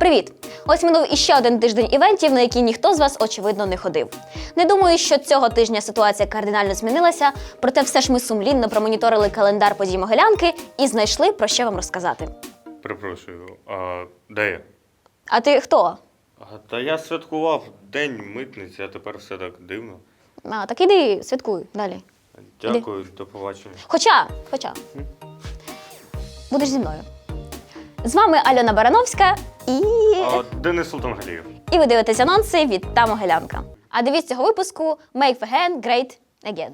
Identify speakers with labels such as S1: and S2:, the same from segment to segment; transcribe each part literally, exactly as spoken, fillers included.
S1: Привіт! Ось минув іще один тиждень івентів, на які ніхто з вас, очевидно, не ходив. Не думаю, що цього тижня ситуація кардинально змінилася, проте все ж ми сумлінно промоніторили календар подій Могилянки і знайшли, про що вам розказати.
S2: Перепрошую, а де я?
S1: А ти хто?
S2: А, та я святкував День митниці, а тепер все так дивно.
S1: А, так іди, святкуй далі.
S2: Дякую, до побачення.
S1: Хоча, хоча, будеш зі мною. З вами Альона Барановська і...
S2: А, Денис Султангалієв.
S1: І ви дивитесь анонси від та Могилянка. А девіз цього випуску «Make Vegan Great Again».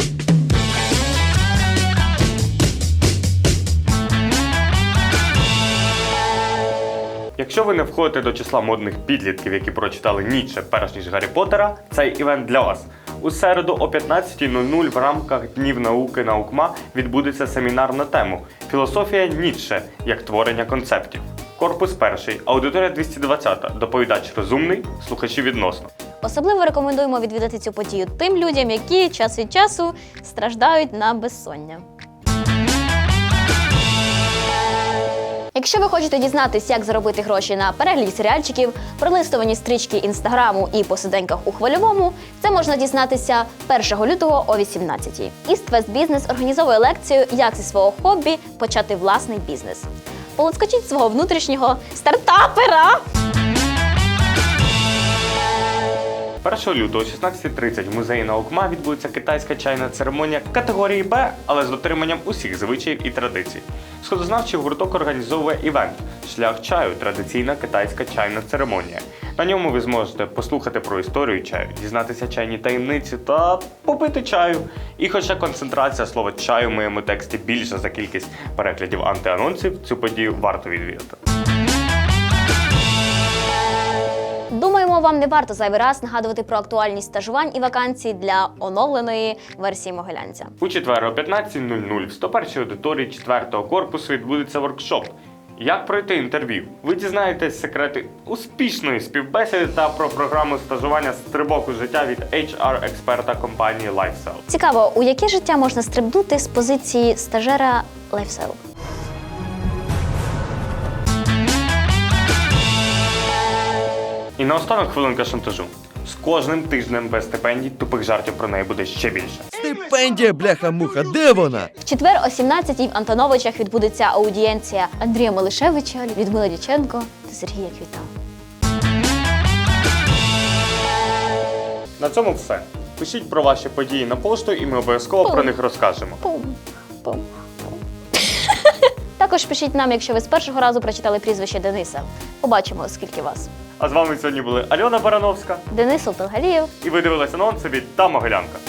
S2: Якщо ви не входите до числа модних підлітків, які прочитали Ніцше перш ніж Гаррі Поттера, цей івент для вас. У середу о п'ятнадцятій нуль нуль в рамках Днів науки наукма відбудеться семінар на тему «Філософія Ніцше як творення концептів». Корпус перший, аудиторія двісті двадцята, доповідач розумний, слухачі відносно.
S1: Особливо рекомендуємо відвідати цю подію тим людям, які час від часу страждають на безсоння. Якщо ви хочете дізнатись, як заробити гроші на перегляді серіальчиків, пролистувані стрічки інстаграму і посиденьках у хвильовому, це можна дізнатися першого лютого о вісімнадцятій. East West Business організовує лекцію «Як зі свого хобі почати власний бізнес». Полоскочіть свого внутрішнього стартапера!
S2: першого лютого о шістнадцятій тридцять в музеї наукма відбудеться китайська чайна церемонія категорії Б, але з дотриманням усіх звичаїв і традицій. Сходознавчий гурток організовує івент «Шлях чаю. Традиційна китайська чайна церемонія». На ньому ви зможете послухати про історію чаю, дізнатися чайні таємниці та попити чаю. І хоча концентрація слова «чаю» в моєму тексті більша за кількість переглядів антианонсів, цю подію варто відвідати.
S1: Думаємо, вам не варто зайвий раз нагадувати про актуальність стажувань і вакансій для оновленої версії Могилянця.
S2: У четвер о п'ятнадцятій нуль нуль в сто першій аудиторії четвертого корпусу відбудеться воркшоп «Як пройти інтерв'ю». Ви дізнаєтесь секрети успішної співбесіди та про програму стажування «Стрибок у життя» від ейч ар-експерта компанії LifeSell.
S1: Цікаво, у яке життя можна стрибнути з позиції стажера LifeSell?
S2: І наостанок хвилинка шантажу. З кожним тижнем без стипендій тупих жартів про неї буде ще більше.
S3: Стипендія, бляха-муха, де вона?
S1: В четвер о сімнадцятій в Антоновичах відбудеться аудієнція Андрія Малишевича, Людмили Дяченко та Сергія Квіта.
S2: На цьому все. Пишіть про ваші події на пошту і ми обов'язково
S1: Пум.
S2: про них розкажемо.
S1: Пум, пум, пум. Також пишіть нам, якщо ви з першого разу прочитали прізвище Дениса. Побачимо, скільки вас.
S2: А з вами сьогодні були Альона Барановська
S1: Денис Султангалієв.
S2: і ви дивилися анонси від та Могилянка.